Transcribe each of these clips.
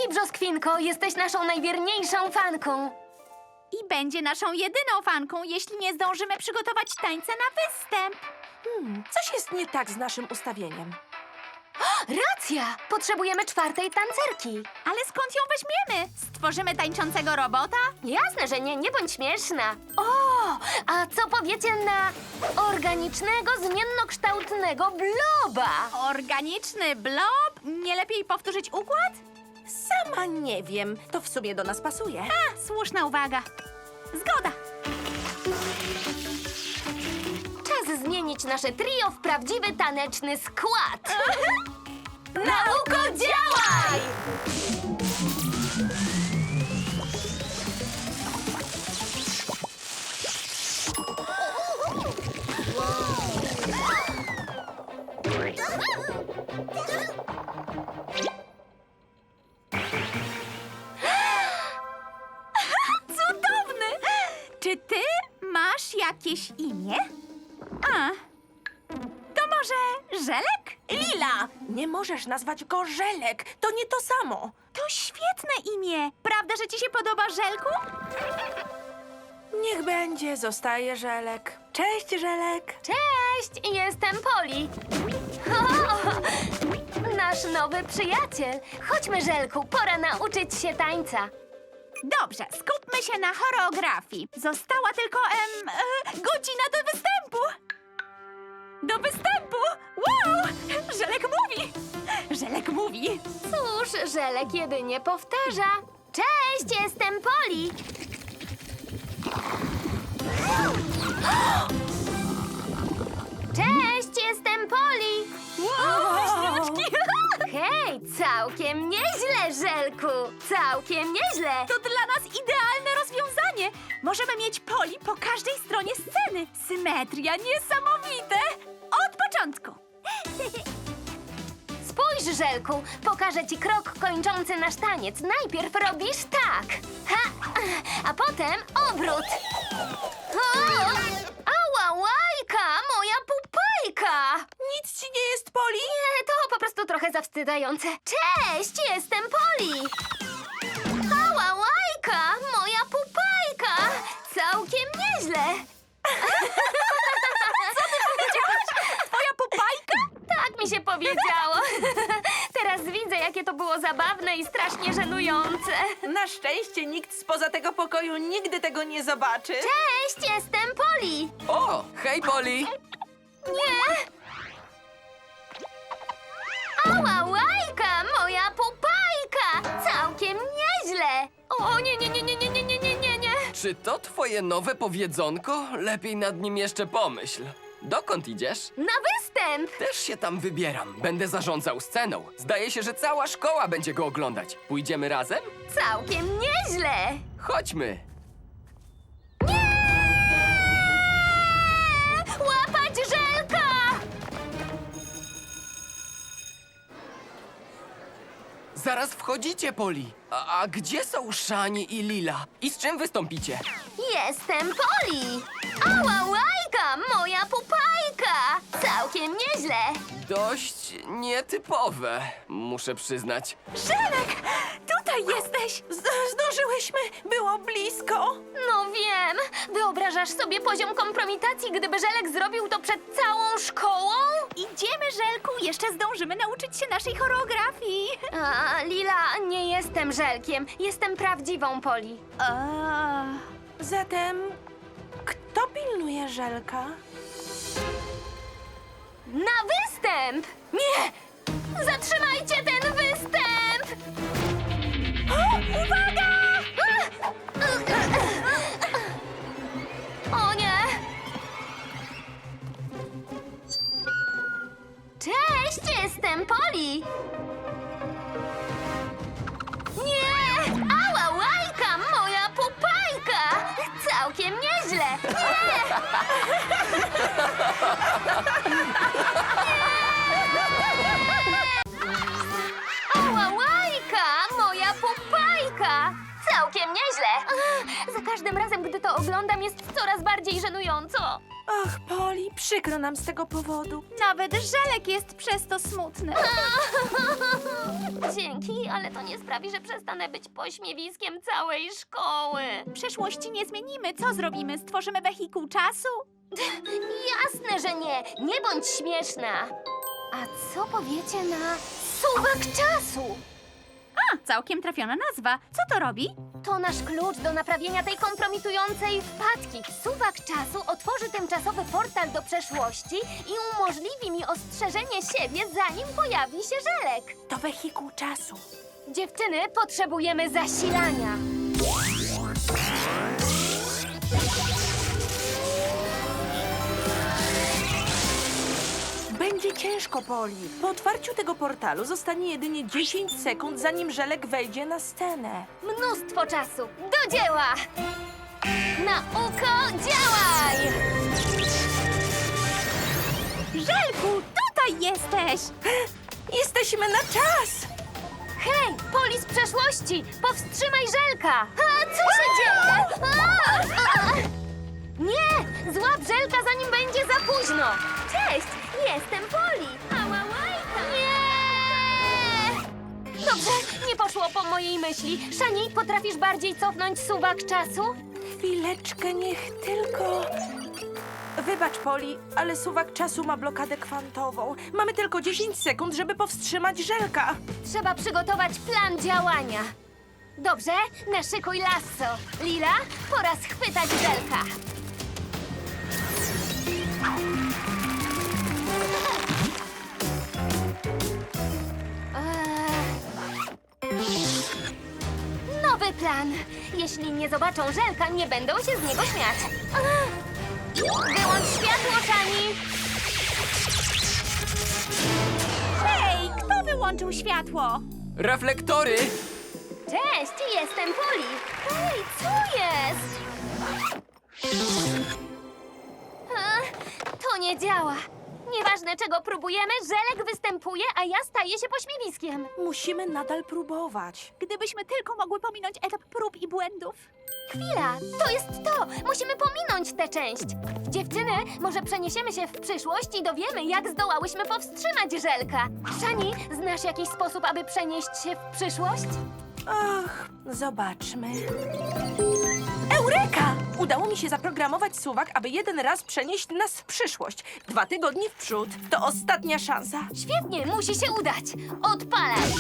Dzięki, Brzoskwinko, jesteś naszą najwierniejszą fanką. I będzie naszą jedyną fanką, jeśli nie zdążymy przygotować tańca na występ. Coś jest nie tak z naszym ustawieniem. Racja! Potrzebujemy czwartej tancerki. Ale skąd ją weźmiemy? Stworzymy tańczącego robota? Jasne, że nie bądź śmieszna. O, a co powiecie na organicznego, zmiennokształtnego bloba? Organiczny blob? Nie lepiej powtórzyć układ? Sama nie wiem. To w sumie do nas pasuje. A, słuszna uwaga. Zgoda. Czas zmienić nasze trio w prawdziwy taneczny skład. Nauko, działaj! Cudowny! Czy ty masz jakieś imię? A, to może Żelek? Lila! Nie możesz nazwać go Żelek. To nie to samo. To świetne imię. Prawda, że ci się podoba, Żelku? Niech będzie, zostaje Żelek. Cześć, Żelek. Cześć, jestem Poli. O, nasz nowy przyjaciel. Chodźmy, Żelku, pora nauczyć się tańca. Dobrze, skupmy się na choreografii. Została tylko godzina do występu. Do występu! Wow! Żelek mówi! Żelek mówi! Cóż, Żelek jedynie powtarza. Cześć, jestem Poli. Cześć, jestem Poli. Wow, wyśniaczki! Hej, całkiem nieźle, Żelku. Całkiem nieźle. To dla nas idealne rozwiązanie. Możemy mieć Poli po każdej stronie sceny. Symetria, niesamowite! Od początku. Spójrz, Żelku, pokażę ci krok kończący nasz taniec. Najpierw robisz tak. Ha, a potem obrót. O! Ała, łajka, moja pupajka. Nic ci nie jest, Poli? Nie, to po prostu trochę zawstydzające. Cześć, jestem Poli. Ała, łajka, moja pupajka. Całkiem nieźle. Twoja pupajka? Tak mi się powiedziało. Teraz widzę, jakie to było zabawne i strasznie żenujące. Na szczęście nikt spoza tego pokoju nigdy tego nie zobaczy. Cześć, jestem Poli. O, hej Poli! Nie. Ała, łajka, moja pupajka. Całkiem nieźle. O, nie. Czy to twoje nowe powiedzonko? Lepiej nad nim jeszcze pomyśl. Dokąd idziesz? Na występ. Też się tam wybieram. Będę zarządzał sceną. Zdaje się, że cała szkoła będzie go oglądać. Pójdziemy razem? Całkiem nieźle. Chodźmy. Łapać Żelka. Zaraz wchodzicie, Poli. A gdzie są Szani i Lila? I z czym wystąpicie? Jestem Poli. Ała, łajka, moja pupajka. Całkiem nieźle. Dość nietypowe, muszę przyznać. Żelek! Tutaj jesteś! Zdążyłyśmy. Było blisko. No wiem. Wyobrażasz sobie poziom kompromitacji, gdyby Żelek zrobił to przed całą szkołą? Idziemy, Żelku! Jeszcze zdążymy nauczyć się naszej choreografii. A, Lila, nie jestem Żelkiem. Jestem prawdziwą Poli. Zatem, kto pilnuje Żelka? Na występ! Nie! Zatrzymajcie ten występ! Uwaga! O nie! Cześć, jestem Poli! Nie! Ała, łajka, moja pupajka! Całkiem nieźle! Nie! Ała, łajka, moja pupajka! Całkiem nieźle! Za każdym razem, gdy to oglądam, jest coraz bardziej żenująco. Ach, Poli, Poli, przykro nam z tego powodu. Nawet Żelek jest przez to smutny. Dzięki, ale to nie sprawi, że przestanę być pośmiewiskiem całej szkoły. Przeszłości nie zmienimy. Co zrobimy? Stworzymy wehikuł czasu? Jasne, że nie. Nie bądź śmieszna. A co powiecie na suwak czasu? A, całkiem trafiona nazwa. Co to robi? To nasz klucz do naprawienia tej kompromitującej wpadki. Suwak czasu otworzy tymczasowy portal do przeszłości i umożliwi mi ostrzeżenie siebie, zanim pojawi się Żelek. To wehikuł czasu. Dziewczyny, potrzebujemy zasilania. Będzie ciężko, Poli. Po otwarciu tego portalu zostanie jedynie 10 sekund, zanim Żelek wejdzie na scenę. Mnóstwo czasu. Do dzieła! Nauko, działaj! Żelku, tutaj jesteś! Jesteśmy na czas! Hej, Poli z przeszłości! Powstrzymaj Żelka! A, co się dzieje? A! Nie! Złap Żelka, zanim będzie za późno! Cześć! Jestem Poli! Nie! Dobrze, nie poszło po mojej myśli. Szani, potrafisz bardziej cofnąć suwak czasu? Chwileczkę, niech tylko... Wybacz, Poli, ale suwak czasu ma blokadę kwantową. Mamy tylko 10 sekund, żeby powstrzymać Żelka. Trzeba przygotować plan działania. Dobrze, naszykuj lasso. Lila, pora schwytać Żelka. Nowy plan. Jeśli nie zobaczą Żelka, nie będą się z niego śmiać. Wyłącz światło, Szani. Hej, kto wyłączył światło? Reflektory! Cześć, jestem Poli. Hej, co jest? To nie działa. Nieważne, czego próbujemy, Żelek występuje, a ja staję się pośmiewiskiem. Musimy nadal próbować. Gdybyśmy tylko mogły pominąć etap prób i błędów. Chwila, to jest to! Musimy pominąć tę część. Dziewczyny, może przeniesiemy się w przyszłość i dowiemy, jak zdołałyśmy powstrzymać Żelka. Szani, znasz jakiś sposób, aby przenieść się w przyszłość? Ach, zobaczmy. Eureka! Udało mi się zaprogramować suwak, aby jeden raz przenieść nas w przyszłość. 2 tygodnie w przód. To ostatnia szansa. Świetnie, musi się udać. Odpalaj!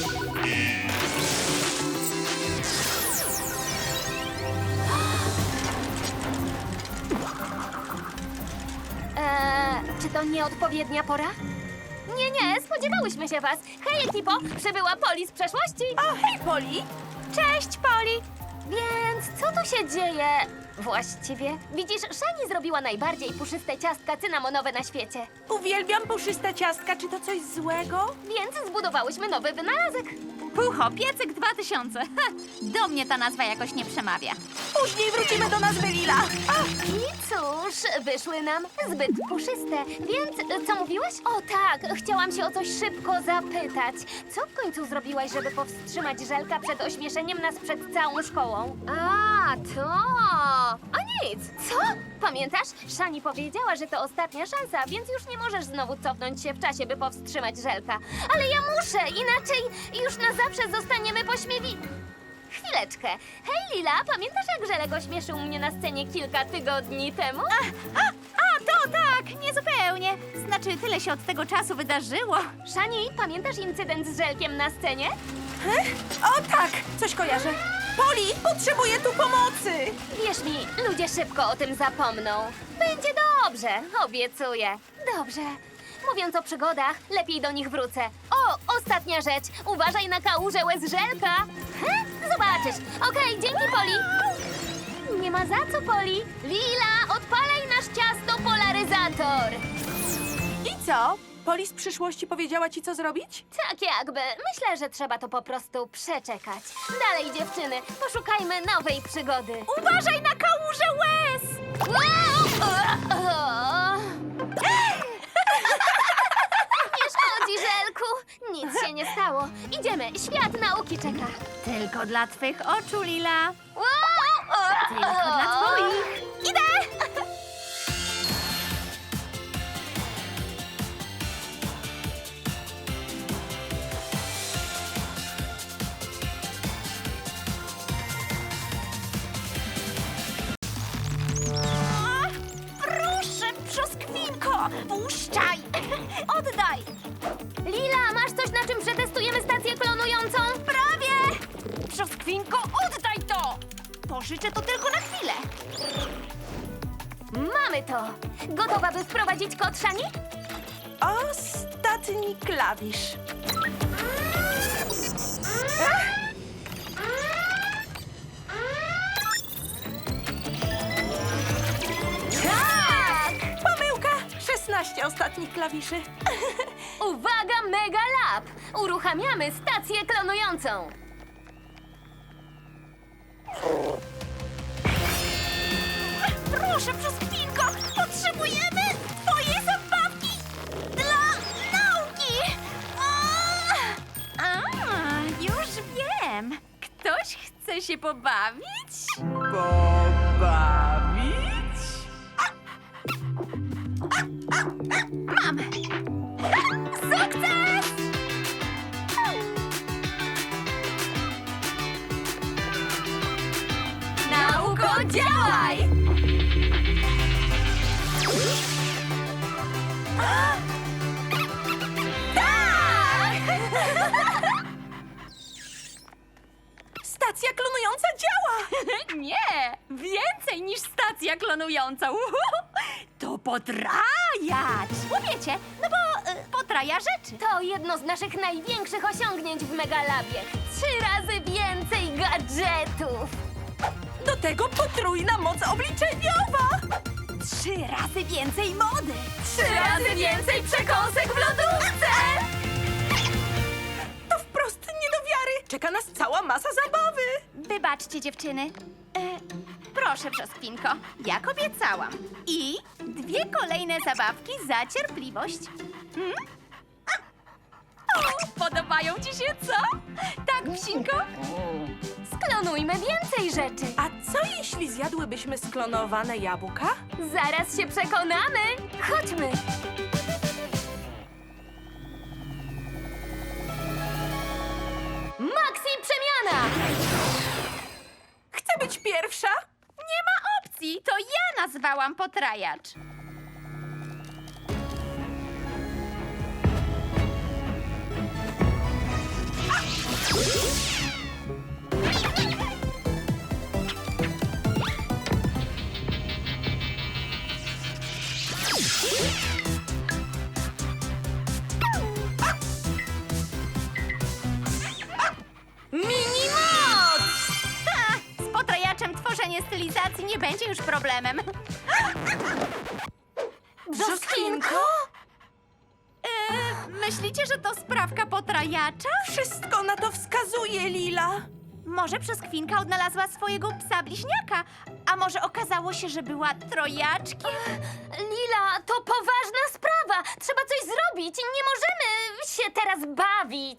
Czy to nieodpowiednia pora? Nie, spodziewałyśmy się was. Hej, ekipo, przybyła Poli z przeszłości. O, hej, Poli! Cześć, Poli! Więc co tu się dzieje? Właściwie, widzisz, Szani zrobiła najbardziej puszyste ciastka cynamonowe na świecie. Uwielbiam puszyste ciastka. Czy to coś złego? Więc zbudowałyśmy nowy wynalazek. Pucho, piecyk 2000. Ha, do mnie ta nazwa jakoś nie przemawia. Później wrócimy do nazwy Lila. I cóż, wyszły nam zbyt puszyste. Więc co mówiłeś? O tak, chciałam się o coś szybko zapytać. Co w końcu zrobiłaś, żeby powstrzymać Żelka przed ośmieszeniem nas przed całą szkołą? A, to... A nic. Co? Pamiętasz? Szani powiedziała, że to ostatnia szansa, więc już nie możesz znowu cofnąć się w czasie, by powstrzymać Żelka. Ale ja muszę, inaczej już na zawsze zostaniemy pośmiewi... Chwileczkę. Hej, Lila, pamiętasz, jak Żelek ośmieszył mnie na scenie kilka tygodni temu? A, to tak, niezupełnie. Znaczy, tyle się od tego czasu wydarzyło. Szani, pamiętasz incydent z Żelkiem na scenie? O tak, coś kojarzę. Poli, potrzebuję tu pomocy. Wierz mi, ludzie szybko o tym zapomną. Będzie dobrze, obiecuję. Dobrze. Mówiąc o przygodach, lepiej do nich wrócę. O, ostatnia rzecz. Uważaj na kałużę łez Żelka. Zobaczysz. Okej, dzięki, Poli. Nie ma za co, Poli. Lila, odpalaj nasz ciasto polaryzator. I co? Poli z przyszłości powiedziała ci, co zrobić? Tak jakby. Myślę, że trzeba to po prostu przeczekać. Dalej, dziewczyny, poszukajmy nowej przygody. Uważaj na kałużę łez! Nie szkodzi, Żelku. Nic się nie stało. Idziemy, świat nauki czeka. Tylko dla twych oczu, Lila. Tylko dla twoich. Idę! Puszczaj! Oddaj! Lila, masz coś, na czym przetestujemy stację klonującą? Prawie! Brzoskwinko, oddaj to! Pożyczę to tylko na chwilę. Mamy to! Gotowa, by wprowadzić kod Szani? Ostatni klawisz. Tak! Pomyłka! 16 ostatnich klawiszy. Uwaga, Mega Lab! Uruchamiamy stację klonującą! Proszę, Brzoskwinko, potrzebujemy twojej zabawki dla nauki! Już wiem. Ktoś chce się pobawić? Pobawić? Mam! Sukces! Nauko, działaj! Stacja klonująca działa! Nie! Więcej niż stacja klonująca. To potrajacz! Umiecie? No bo potraja rzeczy. To jedno z naszych największych osiągnięć w Megalabie. 3 razy więcej gadżetów! Do tego potrójna moc obliczeniowa! 3 razy więcej mody. 3 razy więcej przekąsek w lodówce! To wprost nie do wiary! Czeka nas cała masa zabawy! Wybaczcie, dziewczyny. Proszę, Brzoskwinko, jak obiecałam. I 2 kolejne zabawki za cierpliwość. O, podobają ci się, co? Tak, psinko? Sklonujmy więcej rzeczy! A co jeśli zjadłybyśmy sklonowane jabłka? Zaraz się przekonamy! Chodźmy! Maxi przemiana! Chcę być pierwsza! Nie ma opcji, to ja nazwałam potrajacz. Minimoc! Z potrajaczem tworzenie stylizacji nie będzie już problemem. Brzoskwinko? Myślicie, że to sprawka potrajacza? Wszystko na to wskazuje, Lila! Może Brzoskwinka odnalazła swojego psa bliźniaka, a może okazało się, że była trojaczkiem? Lila, to poważna sprawa! Trzeba coś zrobić! Nie możemy się teraz bawić!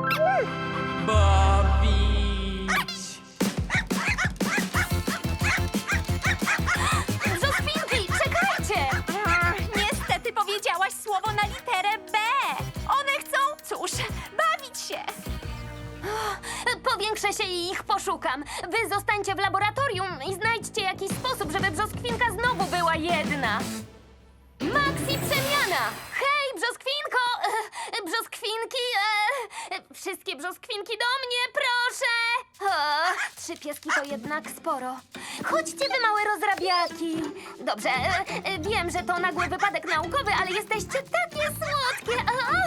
Brzoskwinki, czekajcie! Niestety powiedziałaś słowo na literę B. One chcą, cóż, bawić się. Powiększę się i ich poszukam. Wy zostańcie w laboratorium i znajdźcie jakiś sposób, żeby Brzoskwinka znowu była jedna. Maxi przemiana! Hej, Brzoskwinko! Brzoskwinki! Wszystkie brzoskwinki do mnie, proszę! O, 3 pieski to jednak sporo. Chodźcie, wy małe rozrabiaki. Dobrze, wiem, że to nagły wypadek naukowy, ale jesteście takie słodkie.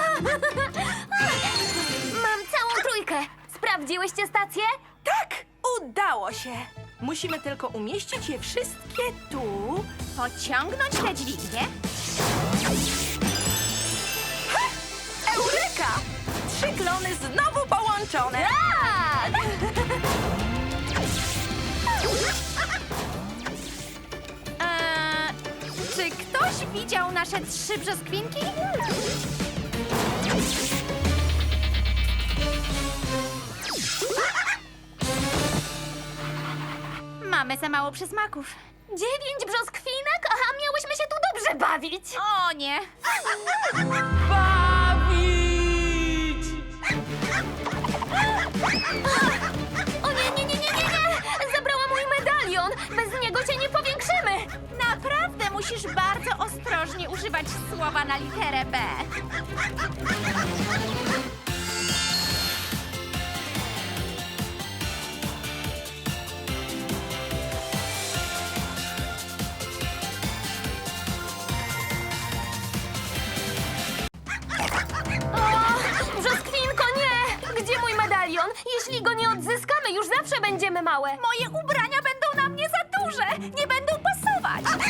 Mam całą trójkę. Sprawdziłyście stację? Tak! Udało się! Musimy tylko umieścić je wszystkie tu. Pociągnąć tę dźwignię. Eureka! 3 klony znowu połączone! Tak! Czy ktoś widział nasze 3 brzoskwinki? Mamy za mało przysmaków. 9 brzoskwinek? Aha, miałyśmy się tu dobrze bawić. O nie! Bawić! O nie, nie, nie, nie, nie, nie! Zabrała mój medalion. Bez niego się nie powiększymy. Naprawdę musisz bardzo ostrożnie używać poznawać słowa na literę B. O, brzoskwinko, nie! Gdzie mój medalion? Jeśli go nie odzyskamy, już zawsze będziemy małe. Moje ubrania będą na mnie za duże. Nie będą pasować.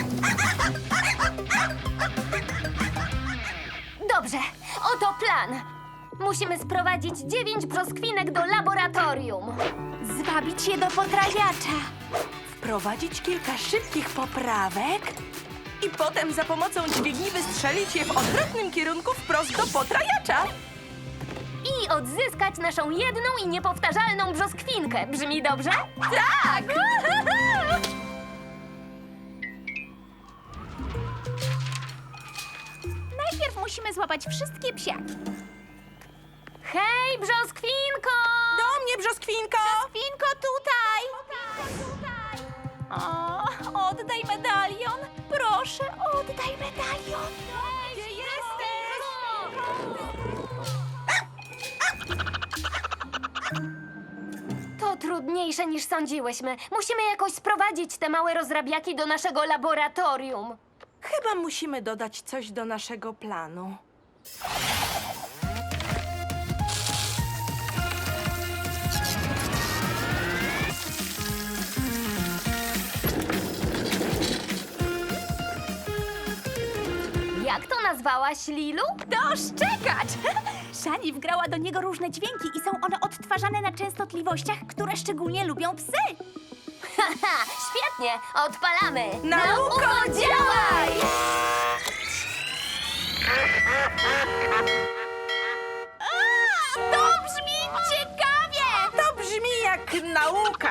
Dobrze, oto plan. Musimy sprowadzić 9 brzoskwinek do laboratorium. Zwabić je do potrawiacza. Wprowadzić kilka szybkich poprawek i potem za pomocą dźwigni wystrzelić je w odwrotnym kierunku wprost do potrajacza. I odzyskać naszą jedną i niepowtarzalną brzoskwinkę. Brzmi dobrze? Tak! Najpierw musimy złapać wszystkie psiaki. Hej, brzoskwinko! Do mnie, brzoskwinko! Winko, tutaj! O, oddaj medalion. Proszę, oddaj medalion. Gdzie jesteś? To trudniejsze niż sądziłyśmy. Musimy jakoś sprowadzić te małe rozrabiaki do naszego laboratorium. Chyba musimy dodać coś do naszego planu. Jak to nazwałaś, Lilu? Doszczekać! Szani wgrała do niego różne dźwięki i są one odtwarzane na częstotliwościach, które szczególnie lubią psy. Haha, świetnie! Odpalamy! Nauko, działaj! To brzmi ciekawie! To brzmi jak nauka.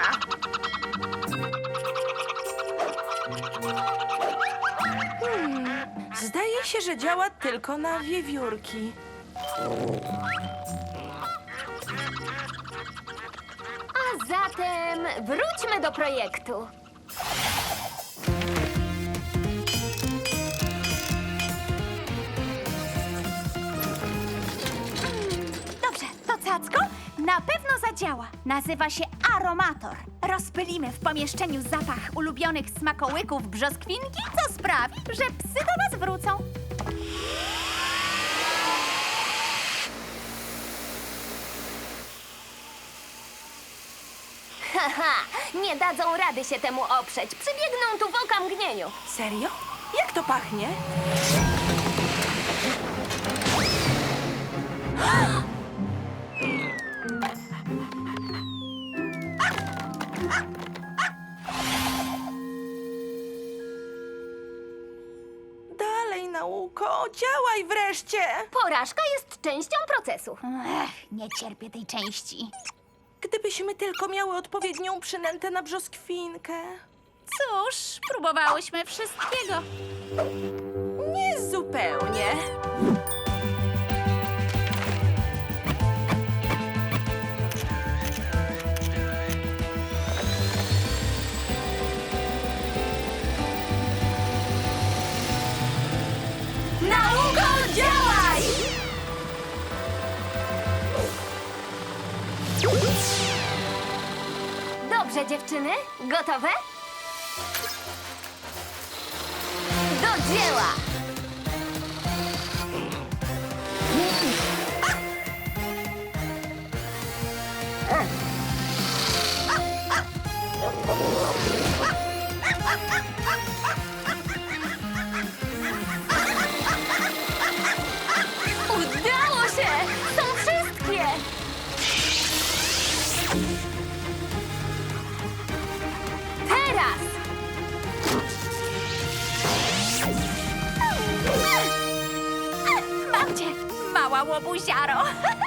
Zdaje się, że działa tylko na wiewiórki. A zatem wróćmy do projektu. Dobrze, to cacko na pewno zadziała. Nazywa się aromator. Rozpylimy w pomieszczeniu zapach ulubionych smakołyków brzoskwinki, co sprawi, że psy do nas wrócą. Haha, nie dadzą rady się temu oprzeć. Przybiegną tu w okamgnieniu. Serio? Jak to pachnie? Dalej, nauko, działaj wreszcie! Porażka jest częścią procesu. Nie cierpię tej części. Gdybyśmy tylko miały odpowiednią przynętę na brzoskwinkę. Cóż, próbowałyśmy wszystkiego. Nie zupełnie. Nauko, działaj! Dobrze, dziewczyny? Gotowe? Do dzieła! Udało się! Są wszystkie! Teraz! Mam cię, mała łobuziaro.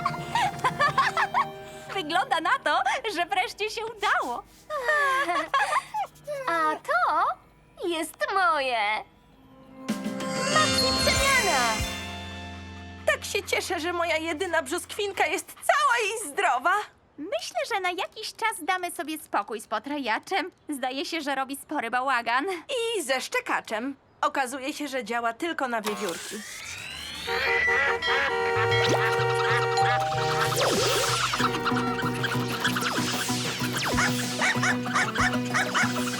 Wygląda na to, że wreszcie się udało. A to jest moje! Maxi przemiana! Tak się cieszę, że moja jedyna brzoskwinka jest cała i zdrowa. Myślę, że na jakiś czas damy sobie spokój z potrajaczem. Zdaje się, że robi spory bałagan. I ze szczekaczem. Okazuje się, że działa tylko na wiewiórki.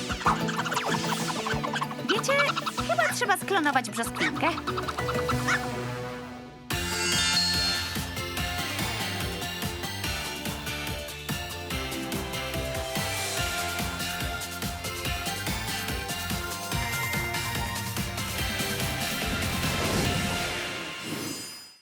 Wiecie, chyba trzeba sklonować brzoskwinkę.